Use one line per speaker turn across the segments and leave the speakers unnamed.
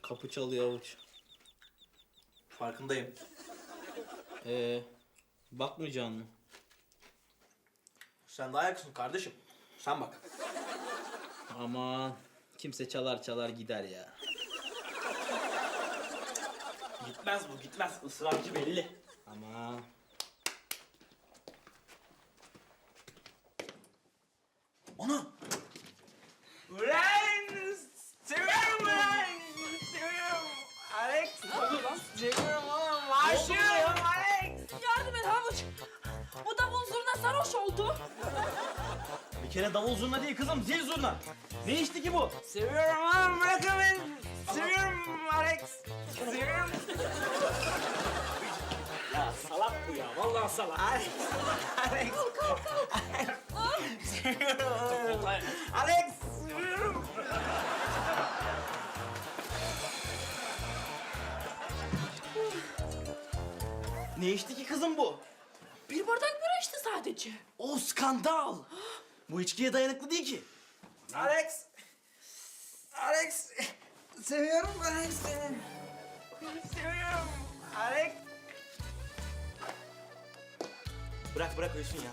Kapı çalıyor Avuç.
Farkındayım.
Bakmayacaksın mı?
Sen daha yakınsın kardeşim. Sen bak.
Aman kimse çalar çalar gider ya.
Gitmez bu, gitmez. Israrcı belli.
Aman.
Ana! Ulan! Seviyorum ulan! Seviyorum! Alex! Seviyorum oğlum! Aşığım Alex!
Yardım et Havuç. Bu davul zurna sarhoş oldu.
Bir kere davul zurna değil kızım, zil zurna. Ne içti ki bu? Seviyorum oğlum, bırakın beni! Seviyorum Alex! Seviyorum!
Ya salak bu ya. Vallahi salak.
Alex! Alex! Seviyorum oğlum! Alex! Seviyorum! Ne içti ki kızım bu?
Bir bardak bira içti sadece.
O skandal! Bu içkiye dayanıklı değil ki. Alex! Alex! Seviyorum Alex seni. Seviyorum. Alex! Bırak bırak ölsün ya.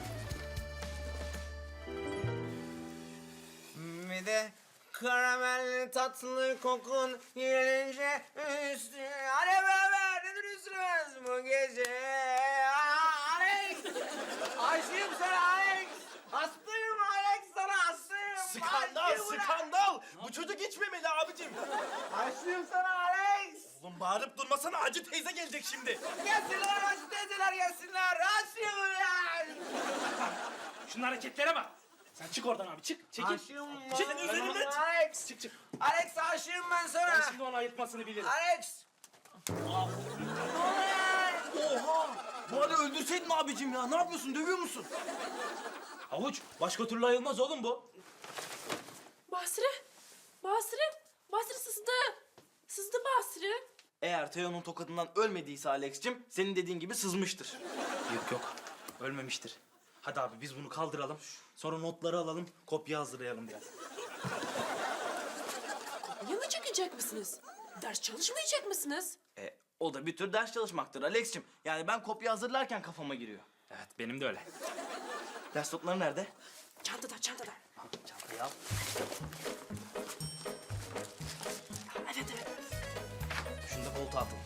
Bir de karamelli tatlı kokun gelince üstüne. Hadi beraber ne duruyorsunuz bu gece? Alex! Aşığım sana Alex! Hastayım Alex sana hastayım!
Skandal,
Aşığım ulan!
skandal! Bu çocuk içmemeli abicim.
Aşığım sana Alex!
Oğlum bağırıp durmasana, Hacı teyze gelecek şimdi.
Gelsinler Hacı teyzeler gelsinler! Aşığım ulan!
Şunun hareketlere bak. Sen çık oradan abi çık. Çekil.
Aşığım
Çık üzerinden çık.
Alex!
Çık çık.
Alex aşığım ben
Ben
sana!
şimdi onu ayırtmasını bilirim.
Alex!
Oha! Bu hali öldürseydin abicim ya. Ne yapıyorsun? Dövüyor musun?
Havuç başka türlü ayılmaz oğlum bu.
Basri. Basri. Basri sızdı. Sızdı Basri.
Eğer Teo'nun tokadından ölmediyse Alex'cim, senin dediğin gibi sızmıştır.
Yok yok. Ölmemiştir. Hadi abi biz bunu kaldıralım. Sonra notları alalım. Kopya hazırlayalım biraz.
Yana çekecek misiniz? Ders çalışmayacak mısınız?
O da bir tür ders çalışmaktır Alex'cim. Yani ben kopya hazırlarken kafama giriyor.
Evet benim de öyle.
Ders notları nerede?
Çantada, çantada.
Çantayı al.
Evet, evet.
Şunu da koltuğa atın.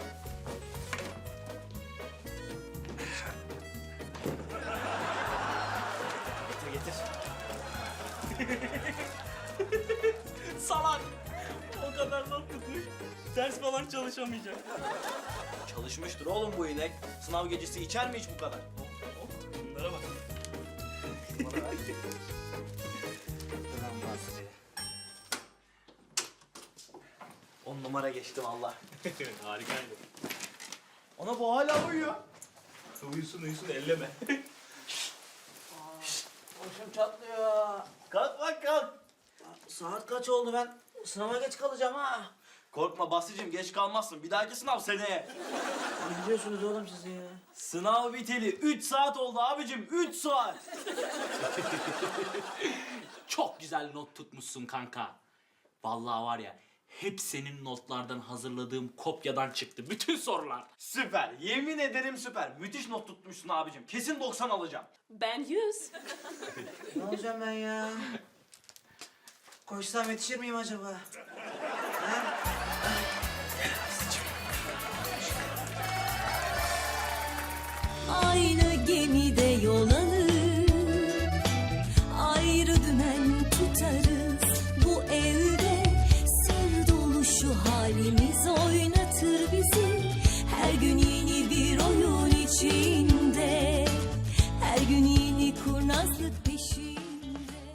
Getir getir.
Salak. O kadar not tutmuş. Ders falan çalışamayacak.
Çalışmıştır oğlum bu inek. Sınav gecesi içer mi hiç bu kadar?
Bunlara bak.
Ulan Basri. 10 numara geçti vallahi.
Harikaydı.
Ona bu hala uyuyor.
Uyusun elleme.
Başım çatlıyor. Kalk bak kalk.
Saat kaç oldu, ben sınava geç kalacağım ha.
Korkma Basri'cim, geç kalmazsın. Bir dahaki sınav seneye.
Ne biliyorsunuz oğlum siz ya?
Sınav biteli 3 saat oldu abicim. 3 saat.
Çok güzel not tutmuşsun kanka. Vallahi var ya hep senin notlardan hazırladığım kopyadan çıktı bütün sorular.
Süper. Yemin ederim süper. Müthiş not tutmuşsun abicim. Kesin 90 alacağım.
Ben 100.
Ne olacağım ben ya? Koşsam yetişir miyim acaba?
Aynı gemide yol alır, ayrı dümen tutarız. Bu evde sır dolu şu halimiz.